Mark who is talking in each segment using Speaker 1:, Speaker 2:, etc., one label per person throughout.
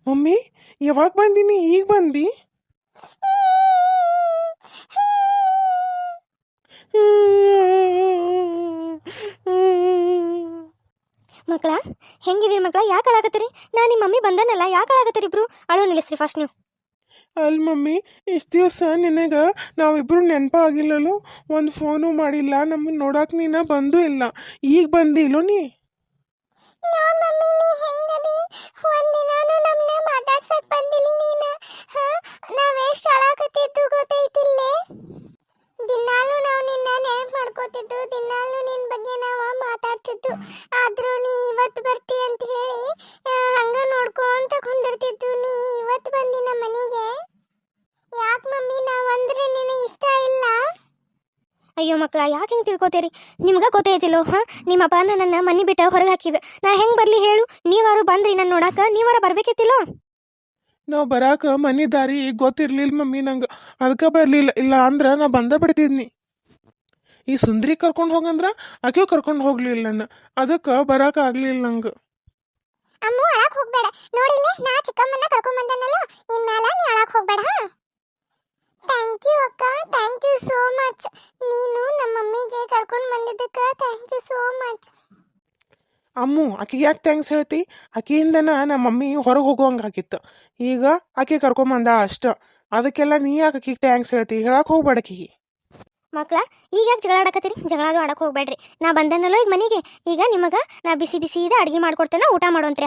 Speaker 1: Mummy ಯಾವಾಗ ಬಂದಿನಿ ಈಗ ಬಂದಿ?
Speaker 2: ಮಕ್ಕಳ ಹೆಂಗಿದಿರಿ ಮಕ್ಕಳ? ಯಾಕೆ ಅಳಾಕತ್ತೀರಿ? ನಾನು ನಿಮ್ಮ ಮಮ್ಮಿ ಬಂದನಲ್ಲ, ಯಾಕೆ ಅಳಾಕತ್ತೀರಿ ಇಬ್ರು? ಅಳು ನಿಲ್ಲಿಸ್ರಿ ಫಸ್ಟ್ ನೀವು.
Speaker 1: ಅಲ್ಲಿ ಮಮ್ಮಿ ಇಷ್ಟು ದಿವಸ ನಿನಗೆ ನಾವಿಬ್ರು ನೆನಪಾಗಿಲ್ಲಲು, ಒಂದು ಫೋನು ಮಾಡಿಲ್ಲ, ನಮ್ಮನ್ನ ನೋಡಕ್ಕೆ ನೀನು ಬಂದೂ ಇಲ್ಲ. ಈಗ ಬಂದಿಲ್ಲೋ ನೀ?
Speaker 2: ಮಾತಾಡ್ಸಕ್ ಬಂದಿಲ್ಲ ನೀನು. ನಾವೆಷ್ಟು ಅಳಾಕತ್ತಿದ್ದು ಗೊತ್ತೈತಿಲ್ಲೇ? ದಿನಾಲು ನಾವು ನಿನ್ನ ನೆನಪು ಮಾಡ್ಕೋತಿದ್ದು, ದಿನಾಲು ನಿನ್ನ ಬಗ್ಗೆ ನಾವು ಮಾತಾಡ್ತಿದ್ದು. ಆದ್ರೂ ನೀ ಇವತ್ತು ಬರ್ತಿ ಅಂತ ಹೇಳಿ ಹಂಗ ನೋಡ್ಕೊಂತ ಕುಂದಿರ್ತಿದ್ದು. ನೀ ಇವತ್ತು ಬಂದಿ ನಮ್ಮ ಮನೆಗೆ. ಯಾಕೆ ಮಮ್ಮಿ ನಾವಂದ್ರೆ ನಿನಗೆ ಇಷ್ಟ ಇಲ್ಲ? ಅಯ್ಯೋ ಮಕ್ಕಳ, ಯಾಕೆ ಹಿಂಗೆ ತಿಳ್ಕೊತೀರಿ? ನಿಮ್ಗೆ ಗೊತ್ತೈತಿಲ್ಲೋ? ನಿಮ್ಮಪ್ಪ ನನ್ನ ಮನೆ ಬಿಟ್ಟು ಹೊರಗೆ ಹಾಕಿದ. ನಾ ಹೆಂಗೆ ಬರಲಿ ಹೇಳು? ನೀವಾರು ಬಂದ್ರಿ ನನ್ನ ನೋಡಾಕ, ನೀವಾರ ಬರ್ಬೇಕಿತ್ತಿಲ್ಲೋ?
Speaker 1: ನಾವು ಬರಾಕ ಮನೆ ದಾರಿ ಗೊತ್ತಿರ್ಲಿಲ್ಲ ಮಮ್ಮಿ ನಂಗೆ, ಅದಕ್ಕೆ ಬರಲಿಲ್ಲ. ಇಲ್ಲ ಅಂದ್ರೆ ನಾ ಬಂದ ಬಿಡ್ತಿದ್ನಿ. ಈ ಸುಂದ್ರಿ ಕರ್ಕೊಂಡು ಹೋಗಂದ್ರ ಆಕೆಯೂ ಕರ್ಕೊಂಡು ಹೋಗ್ಲಿಲ್ಲ ನನ್ನ, ಅದಕ್ಕೆ ಬರಾಕ ಆಗ್ಲಿಲ್ಲ ನಂಗೆ.
Speaker 2: ಅಮ್ಮು ಅಳಕ್ ಹೋಗ್ಬೇಡ. ನೋಡಿಲ್ಲ, ನಾ ಚಿಕ್ಕಮ್ಮನ್ನ ಕರ್ಕೊಂಡ್ ಬಂದನಲ್ಲ, ಇನ್ಮೇಲ ನೀ ಅಳಕ್ ಹೋಗ್ಬೇಡ. ಥ್ಯಾಂಕ್ ಯು ಅಕ್ಕ, ಥ್ಯಾಂಕ್ ಯು ಸೋ ಮಚ್. ನೀನು ನಮ್ಮ ಮಮ್ಮಿಗೆ ಕರ್ಕೊಂಡು ಬಂದಿದ್ದಕ್ಕೆ ಥ್ಯಾಂಕ್ ಯು ಸೋ ಮಚ್.
Speaker 1: ಅಮ್ಮು ಆಕೆಗೆ ಯಾಕೆ ಥ್ಯಾಂಕ್ಸ್ ಹೇಳ್ತಿ? ಆಕೆಯಿಂದನ ನಮ್ಮ ಮಮ್ಮಿ ಹೊರಗೆ ಹೋಗುವಂಗೆ ಆಗಿತ್ತು. ಈಗ ಆಕೆ ಕರ್ಕೊಂಬಂದ ಅಷ್ಟ, ಅದಕ್ಕೆಲ್ಲ ನೀ ಯಾಕೆ ಆಕೆಗೆ ಥ್ಯಾಂಕ್ಸ್ ಹೇಳ್ತಿ? ಹೇಳಕ್ಕೆ ಹೋಗ್ಬೇಡ ಆಕೆಗೆ.
Speaker 2: ಮಕ್ಕಳ, ಈಗ ಯಾಕೆ ಜಗಳ ಆಡಕತ್ತೀರಿ? ಜಗಳದು ಆಡಕ್ಕೆ ಹೋಗ್ಬೇಡ್ರಿ. ನಾ ಬಂದನಲ್ಲೋ ಈಗ ಮನೆಗೆ, ಈಗ ನಿಮಗೆ ನಾ ಬಿಸಿ ಬಿಸಿದ ಅಡುಗೆ ಮಾಡ್ಕೊಡ್ತೇನೆ, ಊಟ ಮಾಡೋಂತ್ರಿ.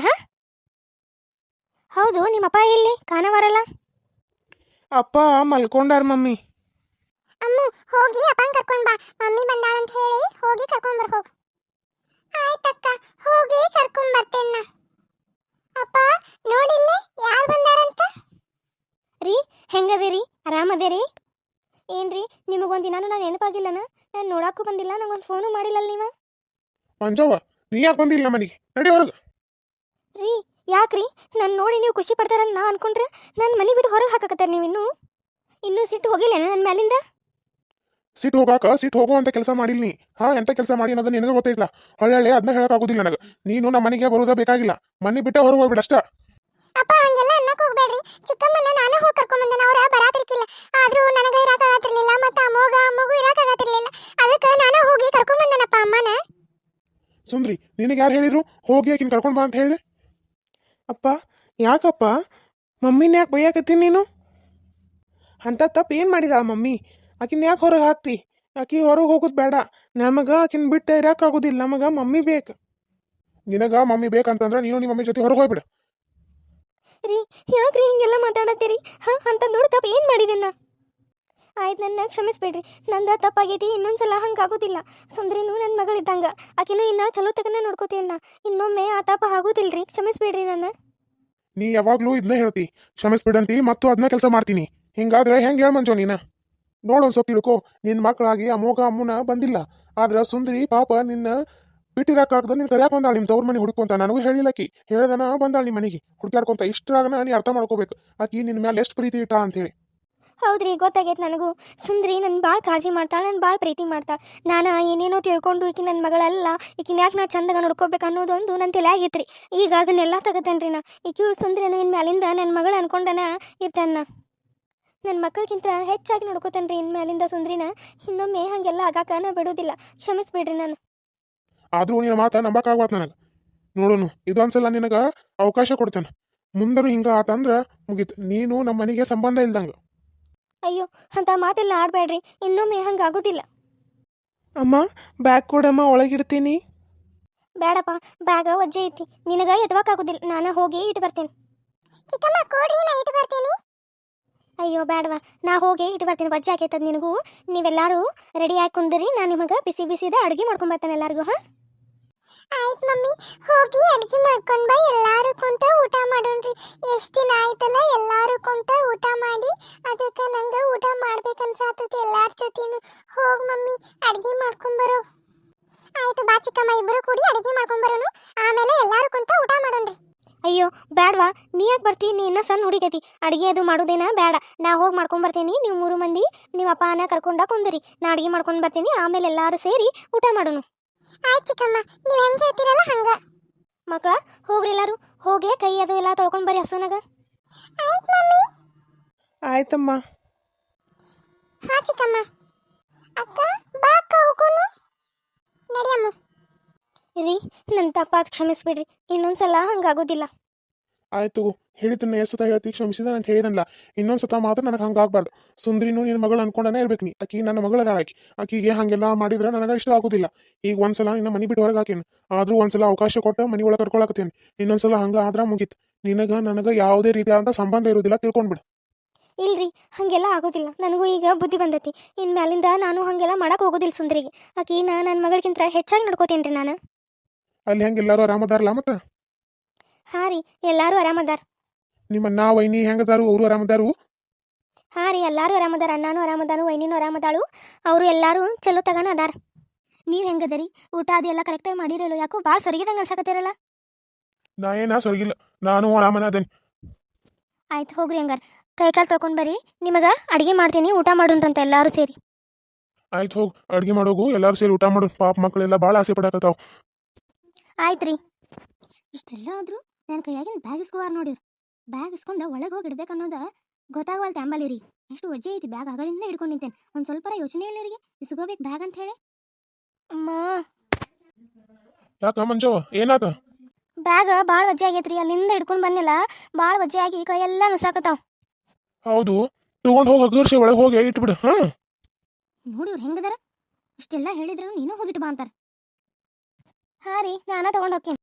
Speaker 2: ಹೌದು, ನಿಮ್ಮಪ್ಪ ಎಲ್ಲಿ ಕಾಣವಾರಲ್ಲ?
Speaker 1: ಅಪ್ಪ ಮಲ್ಕೊಂಡಾರ ಮಮ್ಮಿ.
Speaker 2: ಅಮ್ಮು ಹೋಗಿ ಅಪ್ಪನ ಕರ್ಕೊಂಡ್ ಬಾ, ಮಮ್ಮಿ ಬಂದಾಳ ಅಂತ ಹೇಳಿ ಹೋಗಿ ಕರ್ಕೊಂಡ್ ಬರ್ ಹೋಗು. ಆಯ್ತಕ್ಕ, ಹೋಗಿ ಕರ್ಕೊಂಡ್ ಬರ್ತೇನ. ಅಪ್ಪ ನೋಡಿಲ್ಲ ಯಾರು ಬಂದಾರಂತ? ರೀ ಹೆಂಗದಿರಿ? ಆರಾಮದೇರಿ? ಏನ್ರಿ ನಿಮಗೊಂದು ದಿನಾನು ನಾನು ನೆನಪಾಗಿಲ್ಲನ? ನಾನು ನೋಡಾಕು ಬಂದಿಲ್ಲ, ನಂಗೊಂದು ಫೋನು ಮಾಡಿಲ್ಲ ನೀವು.
Speaker 1: ಮಂಜವ್ವ ನೀ ಯಾಕೆ ಬಂದಿಲ್ಲ ಮನೆಗೆ? ನಡಿ ಹೊರಗೆ.
Speaker 2: ರೀ ಯಾಕ್ರಿ? ನಾನು ನೋಡಿ ನೀವು ಖುಷಿ ಪಡ್ತಾರಂತ ನಾ ಅನ್ಕೊಂಡ್ರೆ ನನ್ನ ಮನೆ ಬಿಟ್ಟು ಹೊರಗೆ ಹಾಕಕತ್ತಾರೆ ನೀವು. ಇನ್ನೂ ಸಿಟ್ಟು ಹೋಗಿಲ್ಲ ನನ್ನ ಮೇಲಿಂದ?
Speaker 1: ಸಿಟ್ಟು ಹೋಗಾಕ ಸಿಟ್ಟು ಹೋಗೋ ಅಂತ ಕೆಲಸ ಮಾಡಿಲ್ಲ ನೀ. ಎಂತ ಕೆಲಸ ಮಾಡಿ ಅನ್ನೋದು ನಿನಗೆ ಗೊತ್ತಿಲ್ಲ. ಹೊಳ್ಳೆ ಅದನ್ನ ಹೇಳಕ್ಕಾಗೋದಿಲ್ಲ ನನಗೆ. ನೀನು ನಮ್ಮ ಮನೆಗೆ ಬರೋದ ಬೇಕಾಗಿಲ್ಲ, ಮನೆ ಬಿಟ್ಟೆ ಹೊರಗೆ ಹೋಗ್ಬಿಡ ಅಷ್ಟ.
Speaker 2: ಅಪ್ಪ ಹಂಗೆಲ್ಲ ಅನ್ನಕ್ ಹೋಗ್ಬೇಡ್ರಿ. ಚಿಕ್ಕಮ್ಮನ ನಾನು ಹೋಗಿ ಕರ್ಕೊಂಡ್ ಬಂದೆ, ಅವ್ರ ಬರಾತಿರ್ಕಿಲ್ಲ. ಆದ್ರೂ ನನಗೆ ಇರಾಕಾಗತ್ತಿರ್ಲಿಲ್ಲ, ಮತ್ತೆ ಅಮ್ಮಗೂ ಇರಾಕಾಗತ್ತಿರ್ಲಿಲ್ಲ. ಅದಕ್ಕೆ ನಾನು ಹೋಗಿ ಕರ್ಕೊಂಡ್ ಬಂದನಪ್ಪ ಅಮ್ಮನ.
Speaker 1: ಸುಂದ್ರಿ ನಿನಗೆ ಯಾರು ಹೇಳಿದ್ರು ಹೋಗಿ ಆಕಿನ ಕರ್ಕೊಂಡು ಬಾ ಅಂತ ಹೇಳಿ? ಅಪ್ಪ ಯಾಕಪ್ಪ ಮಮ್ಮಿನ ಯಾಕೆ ಬೈಯಾಕತ್ತೀನಿ ನೀನು? ಅಂತ ತಪ್ಪು ಏನು ಮಾಡಿದಾಳ ಮಮ್ಮಿ? ಆಕಿನ ಯಾಕೆ ಹೊರಗೆ ಹಾಕ್ತಿ? ಆಕಿ ಹೊರಗೆ ಹೋಗೋದು ಬೇಡ. ನಮಗೆ ಆಕಿನ ಬಿಟ್ಟು ಇರೋಕ್ಕಾಗೋದಿಲ್ಲ, ನಮಗೆ ಮಮ್ಮಿ ಬೇಕು. ನಿನಗ ಮಮ್ಮಿ ಬೇಕಂತಂದ್ರೆ ನೀನು ನಿಮ್ಮ ಮಮ್ಮಿ ಜೊತೆ ಹೊರಗೆ ಹೋಗ್ಬಿಡ.
Speaker 2: ರೀ ಯಾಕ್ರಿ ಹಿಂಗೆಲ್ಲ ಮಾತಾಡತ್ತೀರಿ? ಅಂತ ದೊಡ್ಡ ತಪ್ಪು ಏನು ಮಾಡಿದೆನ? ಆಯ್ತು, ನನ್ನ ಕ್ಷಮಿಸ್ಬೇಡ್ರಿ, ನಂದ ತಪ್ಪಾಗೈತಿ. ಇನ್ನೊಂದ್ಸಲ ಹಂಗಾಗೋದಿಲ್ಲ. ಸುಂದ್ರಿನೂ ನನ್ನ ಮಗಳಿದ್ದಂಗ, ಆಕಿನೂ ಇನ್ನ ಚಲೋ ತಗನ ನೋಡ್ಕೋತೀನ. ಇನ್ನೊಮ್ಮೆ ಆ ತಪ್ಪ ಆಗೋದಿಲ್ರಿ, ಕ್ಷಮಿಸ್ಬೇಡ್ರಿ ನನ್ನ.
Speaker 1: ನೀ ಯಾವಾಗ್ಲೂ ಇದನ್ನ ಹೇಳ್ತಿ, ಕ್ಷಮಿಸ್ಬಿಡಂತಿ, ಮತ್ತು ಅದನ್ನ ಕೆಲಸ ಮಾಡ್ತೀನಿ. ಹಿಂಗಾದ್ರೆ ಹೆಂಗೆ ಹೇಳ ಮಂಜೋ ನೀನ? ನೋಡೊಂದು ಸ್ವಲ್ಪ ತಿಳ್ಕೊ, ನಿನ್ನ ಮಕ್ಕಳಾಗಿ ಅಮ್ಮನ ಬಂದಿಲ್ಲ. ಆದ್ರೆ ಸುಂದರಿ ಪಾಪ ನಿನ್ನ ಬಿಟ್ಟಿರಕ್ಕಾಗ್ದ ನಿನ್ ಕರ್ಯಾಕ ಬಂದಾಳ ನಿಮ್ಮ ತವ್ರ ಮನೆ ಹುಡ್ಕೊಂತ. ನನಗೂ ಹೇಳಿಲ್ಲಕಿ, ಹೇಳ್ದನ ಬಂದಾಳ ನಿಮ್ಮ ಮನೆಗೆ ಹುಡ್ಕ್ಯಾಡ್ಕೊಂತ. ಇಷ್ಟ್ರಾಗನ ನೀ ಅರ್ಥ ಮಾಡ್ಕೋಬೇಕು ಆಕಿ ನಿನ್ನ ಮೇಲೆ ಎಷ್ಟು ಪ್ರೀತಿ ಇಟ್ಟ ಅಂತೇಳಿ.
Speaker 2: ಹೌದ್ರಿ, ಗೊತ್ತಾಗೈತೆ ನನಗೂ. ಸುಂದ್ರಿ ನನ್ನ ಭಾಳ ಕಾಳಜಿ ಮಾಡ್ತಾಳೆ, ನನ್ನ ಭಾಳ ಪ್ರೀತಿ ಮಾಡ್ತಾಳೆ. ನಾನು ಏನೇನೋ ತಿಳ್ಕೊಂಡು ಈಕಿ ನನ್ನ ಮಗಳಲ್ಲ, ಈಕಿನ ಯಾಕೆ ನಾ ಚಂದಾಗ ನೋಡ್ಕೋಬೇಕು ಅನ್ನೋದೊಂದು ನನ್ನ ತಲೆಯಾಗಿತ್ರಿ. ಈಗ ಅದನ್ನೆಲ್ಲ ತಗತೇನ್ರಿ ನಾ. ಈಕಿಯು ಸುಂದ್ರಿನ ಇನ್ನು ಮ್ಯಾಲಿಂದ ನನ್ನ ಮಗಳು ಅನ್ಕೊಂಡನ ಇರ್ತಾನ. ನನ್ನ ಮಕ್ಕಳಿಗಿಂತ ಹೆಚ್ಚಾಗಿ ನೋಡ್ಕೋತೇನ್ರಿ ಇನ್ನು ಮ್ಯಾಲಿಂದ ಸುಂದ್ರಿನ. ಇನ್ನೊಮ್ಮೆ ಹಾಗೆಲ್ಲ ಆಗಾಕ ನಾ ಬಿಡೋದಿಲ್ಲ, ಕ್ಷಮಿಸ್ಬಿಡ್ರಿ ನಾನು.
Speaker 1: ಆದ್ರೂ ನಿನ್ನ ಮಾತ ನಂಬಕ್ಕಾಗ್ವಾತ್ ನನಗೆ. ನೋಡೋನು ಇದೊಂದ್ಸಲ ನಿನಗೆ ಅವಕಾಶ ಕೊಡ್ತೇನೆ. ಮುಂದನು ಹಿಂಗ ಆತಂದ್ರ ಮುಗೀತು, ನೀನು ನಮ್ಮ ಮನೆಗೆ ಸಂಬಂಧ ಇಲ್ದಂಗ.
Speaker 2: ಅಯ್ಯೋ ಅಂತ ಮಾತೆಲ್ಲ ಆಡಬೇಡ್ರಿ, ಇನ್ನೊಮ್ಮೆ ಹಂಗಾಗೋದಿಲ್ಲ.
Speaker 1: ಅಮ್ಮ ಬ್ಯಾಗ್ ಕೊಡಮ್ಮ, ಒಳಗಿಡ್ತೀನಿ.
Speaker 2: ಬೇಡಪ್ಪ, ಬ್ಯಾಗ ಒಜ್ಜೆ ಐತಿ, ನಿನಗ ಎದವಾಕಾಗೋದಿಲ್ಲ. ನಾನು ಹೋಗಿ ಇಟ್ಟು ಬರ್ತೇನೆ. ಚಿಕ್ಕಮ್ಮ ಕೊಡ್ರಿ, ನಾ ಇಟ್ಟು ಬರ್ತೀನಿ. ಅಯ್ಯೋ ಬೇಡವಾ, ನಾ ಹೋಗಿ ಇಟ್ಟು ಬರ್ತೀನಿ. ಒಜ್ಜೆ ಹಾಕೈತದ ನಿನಗೂ. ನೀವೆಲ್ಲರೂ ರೆಡಿ ಆಗಿ ಕುಂದಿರಿ, ನಾನು ನಿಮಗೆ ಬಿಸಿ ಬಿಸಿದ ಅಡುಗೆ ಮಾಡ್ಕೊಂಬರ್ತೇನೆ ಎಲ್ಲರಿಗೂ. ಆಯ್ತು ಮಮ್ಮಿ, ಹೋಗಿ ಅಡುಗೆ ಮಾಡ್ಕೊಂಡು ಬಾ, ಎಲ್ಲರೂ ಕುಂತ ಊಟ ಮಾಡೋಣ್ರಿ. ಎಷ್ಟು ದಿನ ಆಯ್ತಲ್ಲ ಎಲ್ಲರೂ ಕುಂತ ಊಟ ಮಾಡಿ, ಅದಕ್ಕೆ ನಂಗೆ ಊಟ ಮಾಡ್ಬೇಕನ್ಸಾತೈತಿ ಎಲ್ಲಾರ ಜೊತೆನು. ಹೋಗಿ ಮಮ್ಮಿ ಅಡುಗೆ ಮಾಡ್ಕೊಂಬರೋ. ಆಯ್ತು ಬಾ ಚಿಕ್ಕಮ್ಮ, ಇಬ್ಬರು ಕೂಡಿ ಅಡುಗೆ ಮಾಡ್ಕೊಂಬರೋನು, ಆಮೇಲೆ ಎಲ್ಲರೂ ಕುಂತ ಊಟ ಮಾಡೋಣ್ರಿ. ಅಯ್ಯೋ ಬೇಡವಾ, ನೀ ಯಾಕೆ ಬರ್ತೀನಿ? ನೀ ಇನ್ನೂ ಸಣ್ಣ ಹುಡುಗೈತಿ, ಅಡುಗೆ ಅದು ಮಾಡೋದೇನ ಬೇಡ. ನಾ ಹೋಗಿ ಮಾಡ್ಕೊಂಬರ್ತೀನಿ. ನೀವು 3 ಮಂದಿ ನಿಮ್ಮ ಅಪ್ಪನ ಕರ್ಕೊಂಡ ಕುಂದಿರಿ, ನಾ ಅಡುಗೆ ಮಾಡ್ಕೊಂಡು ಬರ್ತೀನಿ, ಆಮೇಲೆ ಎಲ್ಲರೂ ಸೇರಿ ಊಟ ಮಾಡೋಣ. ಆಯ್ತು ಚಿಕ್ಕಮ್ಮ, ನೀವು ಹೆಂಗೆ ಹೇಳ್ತೀರಲ್ಲ ಹಂಗ. ಮಕ್ಕಳ ಹೋಗ್ರಿ, ಎಲ್ಲರೂ ಹೋಗಿ ಕೈ ಅದು ಎಲ್ಲ ತೊಳ್ಕೊಂಡು ಬರ್ರಿ ಹಸುನಾಗ.
Speaker 1: ಆಯ್ತಮ್ಮ.
Speaker 2: ಹಾ ಚಿಕ್ಕಮ್ಮ. ಅಕ್ಕ ಬಾ ಅಕ್ಕ ಹೋಗೋನು. ನಡಿಯಮ್ಮ. ರೀ ನನ್ನ ತಪ್ಪಾದ ಕ್ಷಮಿಸ್ಬಿಡ್ರಿ, ಇನ್ನೊಂದ್ಸಲ ಹಂಗಾಗೋದಿಲ್ಲ.
Speaker 1: ಆಯ್ತು ಹೇಳಿದ್ದನ್ನ ಎಷ್ಟು ಸತ ಹೇಳ್ತಿ ಕ್ಷಮಿಸಿದ ಅಂತ ಹೇಳಿದನಲ್ಲ, ಇನ್ನೊಂದ್ಸತ ಮಾತ್ರ ನನಗೆ ಹಂಗಾಗ್ಬಾರ್ದು. ಸುಂದ್ರಿನೂ ನಿನ್ನ ಮಗಳು ಅನ್ಕೊಂಡನೇ ಇರ್ಬೇಕು ನೀ. ಆಕಿ ನನ್ನ ಮಗಳದಾಳ. ಆಕಿಗೆ ಹಂಗೆಲ್ಲ ಮಾಡಿದ್ರೆ ನನಗೆ ಇಷ್ಟ ಆಗೋದಿಲ್ಲ. ಈಗ ಒಂದ್ಸಲ ನಿನ್ನ ಮನೆ ಬಿಟ್ಟು ಹೊರಗೆ ಹಾಕೇನು, ಆದ್ರೂ ಒಂದ್ಸಲ ಅವಕಾಶ ಕೊಟ್ಟು ಮನೆ ಒಳಗೆ ಕರ್ಕೊಳಕತ್ತೇನೆ. ಇನ್ನೊಂದ್ಸಲ ಹಂಗ ಆದ್ರ ಮುಗೀತು. ನಿನಗ ನನಗೆ ಯಾವುದೇ ರೀತಿಯಾದಂಥ ಸಂಬಂಧ ಇರೋದಿಲ್ಲ, ತಿಳ್ಕೊಂಡ್ಬಿಡು.
Speaker 2: ಇಲ್ರಿ ಹಂಗೆಲ್ಲ ಆಗೋದಿಲ್ಲ. ನನಗೂ ಈಗ ಬುದ್ಧಿ ಬಂದೈತಿ. ಇನ್ಮ್ಯಾಲಿಂದ ನಾನು ಹಂಗೆಲ್ಲ ಮಾಡಕ್ ಹೋಗೋದಿಲ್ಲ ಸುಂದ್ರಿಗೆ. ಆಕಿನ ನನ್ನ ಮಗಳಿಗಿಂತ ಹೆಚ್ಚಾಗಿ ನಡ್ಕೋತೀನಿ ರೀ ನಾನು.
Speaker 1: ಅಲ್ಲಿ ಹೆಂಗೆ ಎಲ್ಲರೂ ಆರಾಮದಾರಲ್ಲ ಮತ್ತೆ?
Speaker 2: ಹಾಂ ರೀ, ಎಲ್ಲರೂ ಆರಾಮದಾರ.
Speaker 1: ನಿಮ್ಮ ಅಣ್ಣ ವೈನಿ ಹೆಂಗದಾರು? ಅವರು ಆರಾಮದಾರು?
Speaker 2: ಹಾಂ ರೀ, ಎಲ್ಲರೂ ಆರಾಮದಾರ. ಅಣ್ಣನೂ ಆರಾಮದಾನು, ವೈನಿನೂ ಆರಾಮದಾಳು. ಅವರು ಎಲ್ಲರೂ ಚಲೋ ತಗನ ಅದಾರ. ನೀವು ಹೆಂಗದರಿ? ಊಟ ಅದೆಲ್ಲ ಕರೆಕ್ಟಾಗಿ ಮಾಡಿರಲ್ಲ? ಯಾಕೋ ಭಾಳ ಸೊರಗಿದಂಗೆ ಅನ್ಸಕತ್ತಿರಲ್ಲ.
Speaker 1: ನಾ ಏನ ಸೊರಗಿಲ್ಲ, ನಾನು ಆರಾಮನ ಅದೇನಿ.
Speaker 2: ಆಯ್ತು ಹೋಗ್ರಿ ಹಂಗಾರ. ಕೈಕಾಲು ತೊಗೊಂಡು ಬರ್ರಿ, ನಿಮಗೆ ಅಡುಗೆ ಮಾಡ್ತೀನಿ, ಊಟ ಮಾಡೋಣ್ರಂತ ಎಲ್ಲರೂ ಸೇರಿ.
Speaker 1: ಆಯ್ತು ಹೋಗಿ ಅಡ್ಗೆ ಮಾಡೋಗು, ಎಲ್ಲರೂ ಸೇರಿ ಊಟ ಮಾಡು. ಪಾಪ ಮಕ್ಕಳೆಲ್ಲ ಭಾಳ ಆಸೆ ಪಡಕತ್ತಾವ.
Speaker 2: ಆಯ್ತು ರೀ. ಇಷ್ಟೆಲ್ಲ ಆದರೂ ನನ್ನ ಕೈಯಾಗಿನ ಬ್ಯಾಗ್ ಇಸ್ಕೋವಾರ ನೋಡಿರಿ. ಬ್ಯಾಗ್ ಇಸ್ಕೊಂಡು ಒಳಗೆ ಹೋಗಿ ಇಡ್ಬೇಕು ಅನ್ನೋದು ಗೊತ್ತಾಗವಲ್ತೆ ಅಂಬಲ್ಲಿ ರೀ. ಎಷ್ಟು ವಜ್ಜೆ ಐತಿ ಬ್ಯಾಗ್, ಆಗಲಿಂದ ಹಿಡ್ಕೊಂಡು ನಿಂತೇನೆ. ಒಂದು ಸ್ವಲ್ಪ ಯೋಚನೆ ಇಲ್ಲ ರೀ ಇಸ್ಕೋಬೇಕು ಬ್ಯಾಗ್ ಅಂತ ಹೇಳಿ. ಅಮ್ಮ
Speaker 1: ಯಾಕ ಮಂಜವ್ವ ಏನಾತ?
Speaker 2: ಬ್ಯಾಗ್ ಭಾಳ ವಜ್ಜೆ ಆಗೈತ್ರಿ. ಅಲ್ಲಿಂದ ಹಿಡ್ಕೊಂಡು ಬಂದಿಲ್ಲ, ಭಾಳ ವಜ್ಜೆ ಆಗಿ ಕೈಯೆಲ್ಲ ನುಸಾಕತ್ತಾವ.
Speaker 1: ಹೌದು, ತಗೊಂಡು ಹೋಗಿ ಅಗರ್ಷೆ ಒಳಗೆ ಹೋಗಿ ಇಟ್ಬಿಡು. ಹಾ
Speaker 2: ನೋಡಿವ್ರು ಹೆಂಗದಾರ? ಇಷ್ಟೆಲ್ಲ ಹೇಳಿದ್ರು ನೀನು ಹೋಗಿಟ್ಟು ಬಾ ಅಂತಾರೆ. ಹಾಂ ರೀ, ನಾನ ತೊಗೊಂಡು ಹೋಗ್ತೀನಿ.